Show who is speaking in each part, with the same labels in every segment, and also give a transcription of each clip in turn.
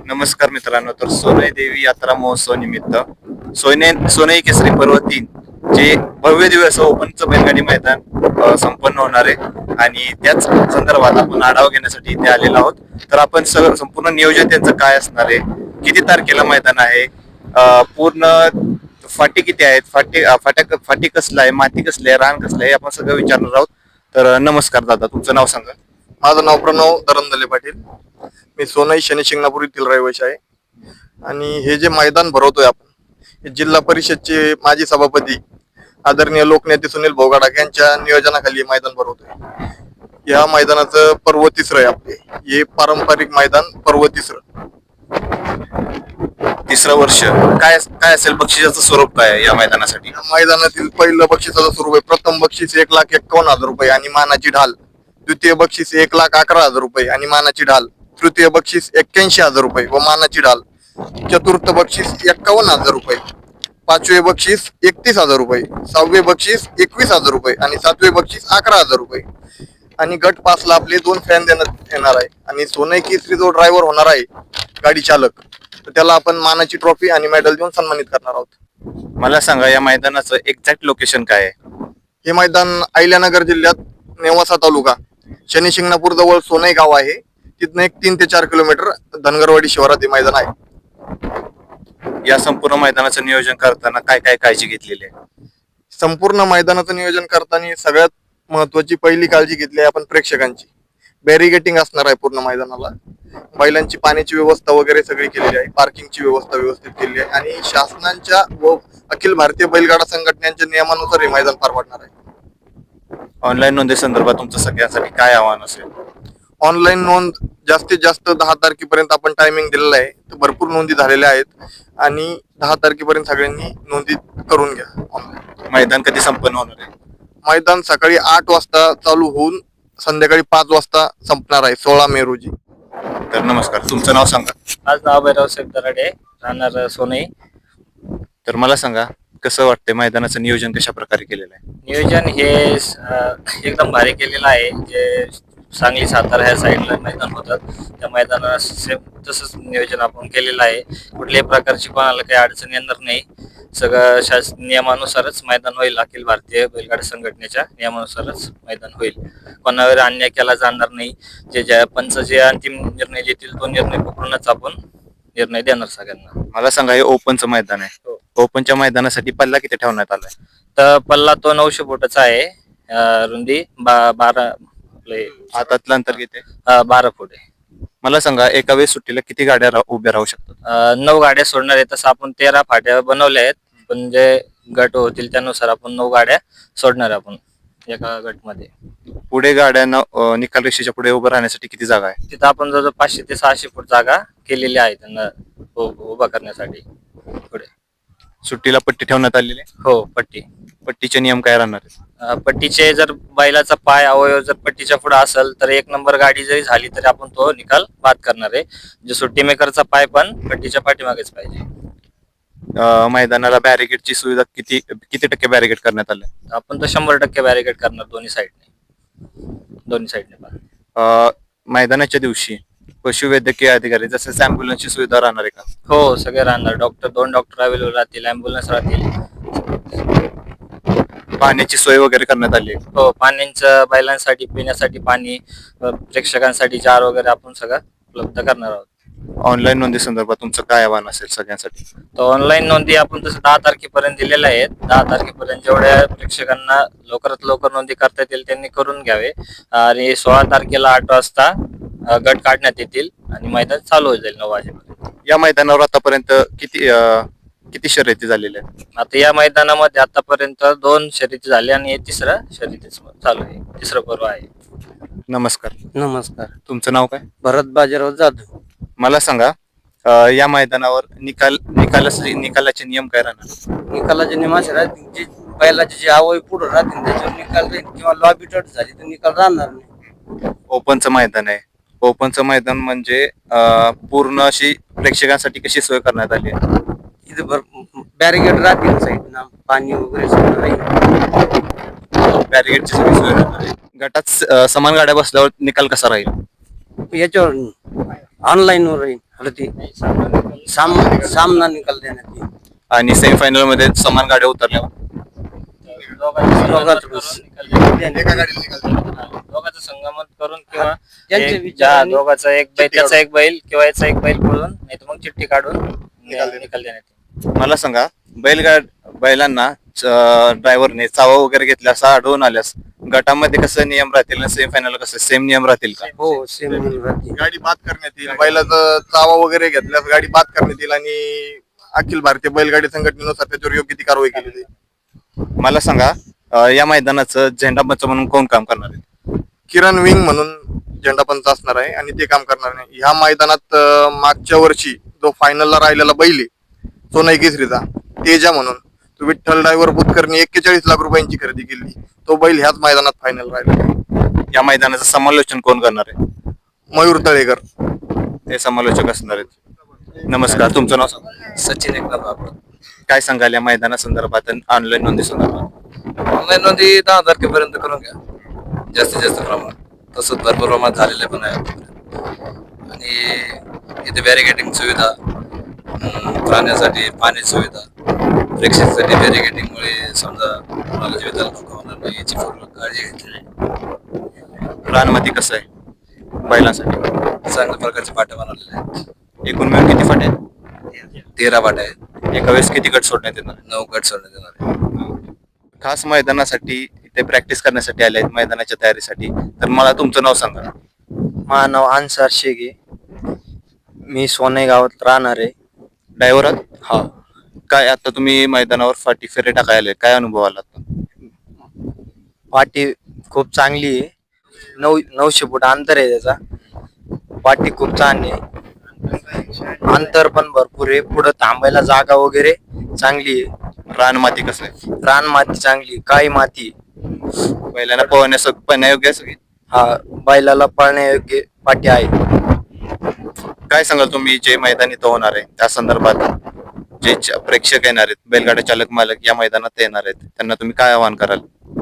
Speaker 1: नमस्कार मित्रांनो. तर सोनई देवी यात्रा महोत्सव निमित्त सोनई केसरी पर्व 3 जे भव्य दिवस ओपनचं बैलगाडी मैदान संपन्न होणार आहे आणि त्याच संदर्भात आपण आढावा घेण्यासाठी इथे आलेलो आहोत. तर आपण संपूर्ण नियोजन त्यांचं काय असणार आहे, किती तारखेला मैदान आहे, पूर्ण फाटी किती आहेत, फाटी कसला आहे, माती कसली आहे, रान कसलं आहे, आपण सगळं विचारणार आहोत. तर नमस्कार दादा, तुमचं नाव सांगा.
Speaker 2: माझं नाव प्रणव धरमदले पाटील. मी सोनई शनी शिंगणापूर येथील रहिवासी आहे. आणि हे जे मैदान भरवतोय आपण, हे जिल्हा परिषदचे माजी सभापती आदरणीय लोकनेते सुनील भोगाडा यांच्या नियोजनाखाली मैदान भरवतोय. या मैदानाचं पर्व 3 आहे आपले. हे पारंपरिक मैदान पर्व 3.
Speaker 1: तिसरं वर्ष काय काय असेल, बक्षिसाचं स्वरूप काय आहे या मैदानासाठी?
Speaker 2: या मैदानातील पहिलं बक्षिसाचं स्वरूप आहे, प्रथम बक्षीस 1,51,000 रुपये आणि मानाची ढाल. द्वितीय बक्षीस 1,11,000 रुपये आणि मानाची ढाल. तृतीय बक्षीस 81,000 रुपये व मानाची ढाल. चतुर्थ बक्षीस 51,000 रुपये. पाचवे बक्षीस 31,000 रुपये. सहावे बक्षीस 21,000 रुपये आणि सातवे बक्षीस 11,000 रुपये. आणि गट पासला आपले 2 फॅन देण्यात येणार आहे. आणि सोनई केसरी जो ड्रायव्हर होणार आहे, गाडी चालक, तर त्याला आपण मानाची ट्रॉफी आणि मेडल देऊन सन्मानित करणार आहोत.
Speaker 1: मला सांगा, या मैदानाचं एक्झॅक्ट लोकेशन काय आहे?
Speaker 2: हे मैदान अहिल्यानगर जिल्ह्यात नेवासा तालुका शनी शिंगणापूर जवळ सोनई गाव आहे. तिथनं एक 3 ते 4 किलोमीटर धनगरवाडी शिवारात हे मैदान आहे.
Speaker 1: या संपूर्ण मैदानाचं नियोजन करताना काय काय काळजी घेतलेली आहे?
Speaker 2: संपूर्ण मैदानाचं नियोजन करताना सगळ्यात महत्वाची पहिली काळजी घेतली आहे आपण प्रेक्षकांची. बॅरिगेटिंग असणार आहे पूर्ण मैदानाला. बैलांची पाण्याची व्यवस्था वगैरे सगळी केलेली आहे. पार्किंगची व्यवस्था व्यवस्थित केली आहे. आणि शासनाच्या व अखिल भारतीय बैलगाडा संघटनेच्या नियमानुसार हे मैदान पार पडणार आहे.
Speaker 1: ऑनलाईन नोंदी संदर्भात तुमचं सगळ्यांसाठी काय आव्हान असेल?
Speaker 2: ऑनलाईन नोंद जास्तीत जास्त 10 तारखेपर्यंत आपण टायमिंग दिलेला आहे. तर भरपूर नोंदी झालेल्या आहेत आणि 10 तारखेपर्यंत सगळ्यांनी नोंदी करून घ्या ऑनलाईन.
Speaker 1: मैदान कधी संपन्न होणार आहे?
Speaker 2: मैदान सकाळी 8 वाजता चालू होऊन संध्याकाळी 5 वाजता संपणार आहे, 16 मे रोजी.
Speaker 1: तर नमस्कार, तुमचं नाव सांगा.
Speaker 3: आज नाव भैरव साहेब दराडे, राहणार सोनई.
Speaker 1: तर मला सांगा, कसं वाटतंय, मैदानाचं नियोजन कशा प्रकारे केलेलं आहे?
Speaker 3: नियोजन हे एकदम भारी केलेलं आहे. जे सांगली सातारा ह्या साईडला मैदान होतात, त्या मैदानाला सेम तसंच नियोजन आपण केलेलं आहे. कुठल्याही प्रकारची कोणाला काही अडचण येणार नाही. सगळं नियमानुसारच मैदान होईल. अखिल भारतीय बैलगाडा संघटनेच्या नियमानुसारच मैदान होईल. कोणावर अन्याय केला जाणार नाही. ज्या पंच जे अंतिम निर्णय देतील तो निर्णय पकडूनच आपण निर्णय देणार सगळ्यांना.
Speaker 1: मला सांगा, हे ओपनचं मैदान आहे.
Speaker 3: हो.
Speaker 1: ओपनच्या मैदानासाठी पल्ला किती ठेवण्यात आलाय?
Speaker 3: तर पल्ला तो 900 फुटाचा आहे. रुंदी 12
Speaker 1: हातातलं अंतर किती आहे?
Speaker 3: 12 फूट आहे.
Speaker 1: मला सांगा, एका वेळेस सुट्टीला किती गाड्या उभ्या राहू शकतात?
Speaker 3: 9 गाड्या सोडणार आहे. तसं आपण 13 फाट्या बनवल्या आहेत, पण जे गट होतील त्यानुसार आपण 9 गाड्या सोडणार आहे आपण एका गटमध्ये.
Speaker 1: पुढे गाड्यांना निकाल रेषेच्या पुढे उभं राहण्यासाठी किती जागा आहे?
Speaker 3: तिथं आपण जवळजवळ 500 ते 600 फूट जागा केलेली आहे त्यांना उभा करण्यासाठी. पुढे
Speaker 1: सुट्टीला पट्टी ठेवण्यात आलेली आहे.
Speaker 3: हो,
Speaker 1: पट्टीचे नियम काय राहणार आहेत?
Speaker 3: पट्टीचे जर बैलाचा पाय अवयव जर पट्टीच्या पुढे असेल तर 1 नंबर गाडी जरी झाली तरी आपण तो निकाल बाद करणार आहे. जो सुट्टी मेकरचा पाय पण पट्टीच्या पाठीमागेच पाहिजे.
Speaker 1: मैदानाला बॅरिकेडची सुविधा किती टक्के बॅरिकेड करण्यात आले?
Speaker 3: आपण तो 100% बॅरिकेड करणार दोन्ही साईडने पण.
Speaker 1: मैदानाच्या दिवशी पशुवैद्यकीय अधिकारी जसे अँब्युलन्सची सुविधा राहणार आहे का?
Speaker 3: हो, सगळे राहणार. 2 डॉक्टर अवेलेबल राहतील, अँब्युलन्स राहतील.
Speaker 1: पाण्याची सोय वगैरे करण्यात आली आहे?
Speaker 3: हो, पाण्याचं बैलांसाठी पिण्यासाठी पाणी, प्रेक्षकांसाठी जार वगैरे आपण सगळं उपलब्ध करणार आहोत.
Speaker 1: ऑनलाईन नोंदी संदर्भात तुमचं काय आव्हान असेल सगळ्यांसाठी?
Speaker 3: तर ऑनलाईन नोंदी आपण तसं 10 तारखेपर्यंत दिलेल्या आहेत. 10 तारखेपर्यंत जेवढ्या प्रेक्षकांना लवकरात लवकर नोंदी करता येतील त्यांनी करून घ्यावे. आणि 16 तारखेला 8 वाजता गट काढण्यात येतील आणि मैदान चालू होईल 9 वाजेपर्यंत.
Speaker 1: या मैदानावर आतापर्यंत किती शर्यती झालेल्या आहेत?
Speaker 3: आता या मैदानामध्ये आतापर्यंत 2 शर्यती झाल्या आणि हे 3रं शर्यतीच चालू आहे. 3रं पर्व आहे.
Speaker 1: नमस्कार.
Speaker 4: नमस्कार.
Speaker 1: तुमचं नाव काय?
Speaker 4: भरत बाजीराव जाधव.
Speaker 1: मला सांगा, या मैदानावर निकालाचे नियम काय राहणार?
Speaker 4: निकालाचे नियम असे राहतील, जे बैलाचे जे अवयव पुढे राहतील त्याच्यावर निकाल राहील, किंवा लॉबी टच झाली तर निकाल राहणार नाही.
Speaker 1: ओपनचं मैदान आहे. ओपनचं मैदान म्हणजे पूर्ण अशी प्रेक्षकांसाठी कशी सोय करण्यात आली आहे?
Speaker 4: इथे बॅरिगेड राहतील साईडना, पाणी वगैरे सगळं राहील.
Speaker 1: बॅरिगेडची सगळी सोय राहणार आहे. गटात समान गाड्या बसल्यावर निकाल कसा राहील?
Speaker 4: याच्यावर ऑनलाईन वर राहील. ते सामना निकाल देण्यात येईल.
Speaker 1: आणि सेमीफायनल मध्ये समान गाड्या उतरल्यावर
Speaker 2: एका गाडीला निकाल दिला.
Speaker 3: दोघांचं संगमत करून किंवा
Speaker 4: त्यांच्या विचारांनी
Speaker 3: दोघाचा एक बैल,
Speaker 2: चिठ्ठी
Speaker 3: त्याचा एक बैल किंवा याचा एक बैल पळून नाही तर मग चिठ्ठी काढून
Speaker 2: निकाल
Speaker 3: निकाल देण्यात येईल.
Speaker 1: मला सांगा, बैलांना ड्रायव्हरने चावा वगैरे घेतला असं आढळून आल्यास गटामध्ये कसं नियम राहतील आणि सेमीफायनल कसं सेम नियम राहतील का?
Speaker 4: हो सेम राहते.
Speaker 2: गाडी बाद करण्यात येईल, बैलाचं चावा वगैरे घेतल्यास गाडी बाद करण्यात येईल आणि अखिल भारतीय बैलगाडी संघटनेनुसार त्याच्यावर योग्य ती कारवाई केली जाईल.
Speaker 1: मला सांगा, या मैदानाचं झेंडापंच म्हणून कोण काम करणार आहे?
Speaker 2: किरण विंग म्हणून झेंडापंच असणार आहे आणि ते काम करणार नाही. ह्या मैदानात मागच्या वर्षी जो फायनलला राहिलेला बैल आहे सोनई केसरीचा तेजा म्हणून, तो विठ्ठल ड्रायव्हर बुतकरनी 41 लाख रुपयांची खरेदी केली. तो बैल ह्याच मैदानात फायनल राहिला.
Speaker 1: या मैदानाचं समालोचन कोण करणार आहे?
Speaker 2: मयूर तळेकर.
Speaker 1: ते समालोचक असणार आहेत. नमस्कार, तुमचं नाव सांगा.
Speaker 3: सचिन एकनाथ बाबर.
Speaker 1: काय सांगाल या मैदानासंदर्भात आणि ऑनलाईन नोंदी संदर्भात?
Speaker 3: ऑनलाईन नोंदी 10 तारखेपर्यंत करून घ्या, जास्तीत जास्त प्रमाणात. तसंच भरपूर प्रमाणात झालेलं पण आहे आतापर्यंत. आणि इथे बॅरिगेटिंग सुविधा, राहण्यासाठी पाणी सुविधा, प्रेक्षकांसाठी बॅरिगेटिंगमुळे समजा कोणाला जीविताला धोका होणार नाही याची पूर्ण काळजी घेतलेली आहे.
Speaker 1: रानमध्ये कसं आहे बैलांसाठी?
Speaker 3: चांगल्या प्रकारचे पाट्या बनवलेले आहेत.
Speaker 1: एकूण मिळून किती फाटे आहेत?
Speaker 3: 13 पाट्या आहेत.
Speaker 1: एका वेळेस किती गट सोडण्यात येणार?
Speaker 3: 9 गट सोडण्यात येणार आहे.
Speaker 1: खास मैदानासाठी इथे प्रॅक्टिस करण्यासाठी आले आहेत, मैदानाच्या तयारीसाठी. तर मला तुमचं नाव सांगा.
Speaker 4: माझं नाव अन्सार शेख आहे. मी सोने गावात राहणार आहे.
Speaker 1: ड्रायव्हर
Speaker 4: हा.
Speaker 1: काय आता तुम्ही मैदानावर फाटी फेरे टाकायला आले, काय अनुभव आला आता?
Speaker 4: पाटी खूप चांगली आहे. 900 फूट अंतर आहे त्याचा. पाटी खूप चांगली आहे, अंतर पण भरपूर आहे. पुढे थांबायला जागा वगैरे चांगली आहे.
Speaker 1: रान माती कसं आहे?
Speaker 4: रान माती चांगली, काळी माती.
Speaker 1: बैलांना पळण्यायोग्य आहे सगळी?
Speaker 4: हा, बैलाला पळण्यायोग्य पाटी आहे.
Speaker 1: काय सांगाल तुम्ही, जे मैदान इथं होणार आहे त्या संदर्भात जे प्रेक्षक येणार आहेत, बैलगाडा चालक मालक या मैदानात येणार आहेत, त्यांना तुम्ही काय आवाहन कराल?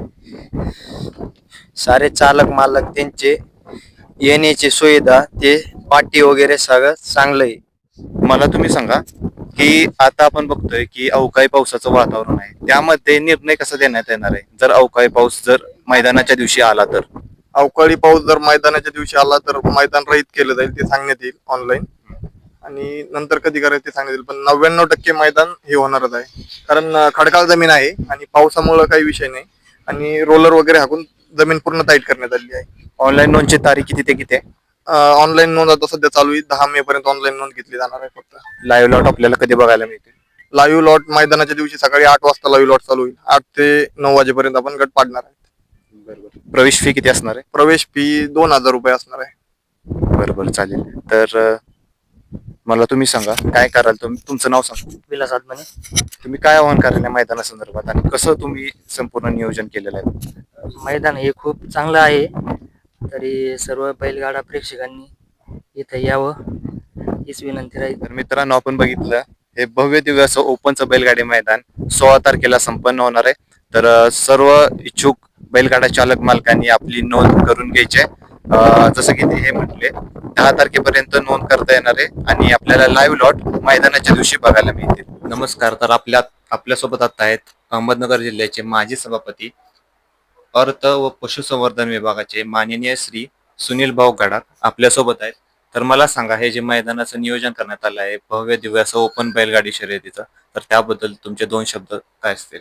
Speaker 4: सारे चालक मालक त्यांचे येण्याची सुविधा, ते पाटी वगैरे सगळं चांगलं आहे.
Speaker 1: मला तुम्ही सांगा की आता आपण बघतोय की अवकाळी पावसाचं वातावरण आहे, त्यामध्ये निर्णय कसा देण्यात येणार आहे जर अवकाळी पाऊस जर मैदानाच्या दिवशी आला तर?
Speaker 2: अवकाळी पाऊस जर मैदानाच्या दिवशी आला तर मैदान रहित केलं जाईल, ते सांगण्यात येईल ऑनलाईन. आणि नंतर कधी करायचं ते सांगण्यात येईल. पण 99% मैदान हे होणारच आहे, कारण खडकाळ जमीन आहे आणि पावसामुळे काही विषय नाही. आणि रोलर वगैरे हाकून जमीन पूर्ण टाईट करण्यात आली आहे.
Speaker 1: ऑनलाईन नोंदची तारीख किती ते किती आहे?
Speaker 2: ऑनलाईन नोंद आता सध्या चालू आहे. 10 मे पर्यंत ऑनलाईन नोंद घेतली जाणार आहे. फक्त
Speaker 1: लाईव्ह लॉट आपल्याला कधी बघायला मिळते?
Speaker 2: लाईव्ह लॉट मैदानाच्या दिवशी सकाळी 8 वाजता लाईव्ह लॉट चालू होईल. 8 ते 9 वाजेपर्यंत आपण गट पाडणार आहे.
Speaker 1: प्रवेश फी किती असणार आहे?
Speaker 2: प्रवेश फी 2000 रुपये असणार आहे.
Speaker 1: बरोबर, चालेल. तर मला तुम्ही सांगा काय कराल तुमचं नाव सांगा.
Speaker 4: विलास आत्माने.
Speaker 1: तुम्ही काय आवाहन कराल या मैदानासंदर्भात आणि कसं तुम्ही संपूर्ण नियोजन केलेलं आहे?
Speaker 5: मैदान हे खूप चांगलं आहे, तरी सर्व बैलगाडा प्रेक्षकांनी इथं यावं हीच विनंती राहील.
Speaker 1: तर मित्रांनो, आपण बघितलं हे भव्य दिव्य असं ओपनचं बैलगाडी मैदान 16 तारखेला संपन्न होणार आहे. तर सर्व इच्छुक बैलगाडा चालक मालकांनी आपली नोंद करून घ्यायची आहे. जसं की ते हे म्हटले 10 तारखेपर्यंत नोंद करता येणार आहे आणि आपल्याला लाईव्ह लॉट मैदानाच्या दिवशी बघायला मिळतील. नमस्कार. तर आपल्यासोबत आता आहेत अहमदनगर जिल्ह्याचे माजी सभापती, अर्थ व पशुसंवर्धन विभागाचे माननीय श्री सुनील भाऊ गडाख आपल्यासोबत आहेत. तर मला सांगा, हे जे मैदानाचं नियोजन करण्यात आलं आहे भव्य दिव्य असं ओपन बैलगाडी शर्यतीचं, तर त्याबद्दल तुमचे 2 शब्द काय असतील?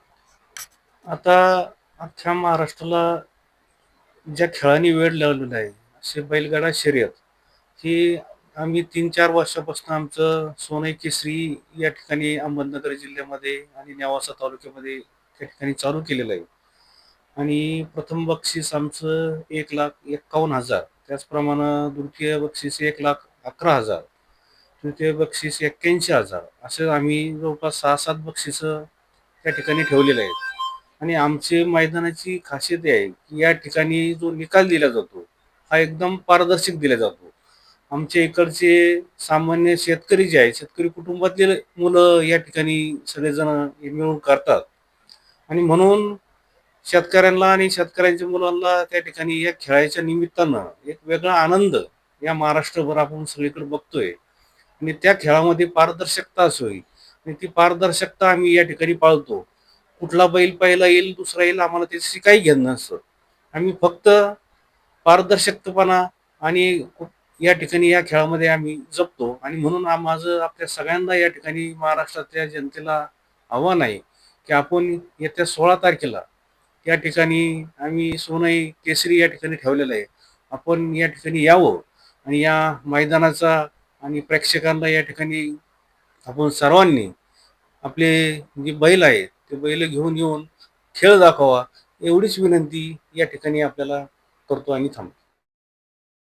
Speaker 6: आता अख्ख्या महाराष्ट्राला ज्या खेळांनी वेळ लावलेला आहे असे बैलगाडा शर्यत ही आम्ही 3-4 वर्षापासून आमचं सोनई केसरी या ठिकाणी अहमदनगर जिल्ह्यामध्ये आणि नेवासा तालुक्यामध्ये त्या ठिकाणी चालू केलेलं आहे. आणि प्रथम बक्षीस आमचं 1,51,000, त्याचप्रमाणे द्वितीय बक्षीस 1,11,000, तृतीय बक्षीस 81,000, असं आम्ही जवळपास 6-7 बक्षिसं त्या ठिकाणी ठेवलेले आहेत. आणि आमचे मैदानाची खासियत आहे की या ठिकाणी जो निकाल दिला जातो हा एकदम पारदर्शक दिला जातो. आमच्या इकडचे सामान्य शेतकरी जे आहे, शेतकरी कुटुंबातले मुलं या ठिकाणी सगळेजण हे मिळून करतात. आणि म्हणून शेतकऱ्यांना आणि शेतकऱ्यांच्या मुलांना त्या ठिकाणी या खेळाच्या निमित्तानं एक वेगळा आनंद या महाराष्ट्रभर आपण सगळीकडे बघतोय. आणि त्या खेळामध्ये पारदर्शकता असावी आणि ती पारदर्शकता आम्ही या ठिकाणी पाळतो. कुठला बैल पहिला येईल दुसरा येईल आम्हाला त्याच्याशी काही घेणं नसतं. आम्ही फक्त पारदर्शकपणा आणि या ठिकाणी या खेळामध्ये आम्ही जपतो आणि म्हणून माझं आपल्या सगळ्यांना या ठिकाणी महाराष्ट्रातल्या जनतेला आव्हान आहे की आपण येत्या 16 तारखेला या ठिकाणी आम्ही सोनई केसरी या ठिकाणी ठेवलेलं आहे. आपण या ठिकाणी यावं आणि या मैदानाचा आणि प्रेक्षकांना या ठिकाणी आपण सर्वांनी आपले जे बैल आहेत ते बैल घेऊन येऊन खेळ दाखवा एवढीच विनंती या ठिकाणी आपल्याला करतो आणि थांबतो.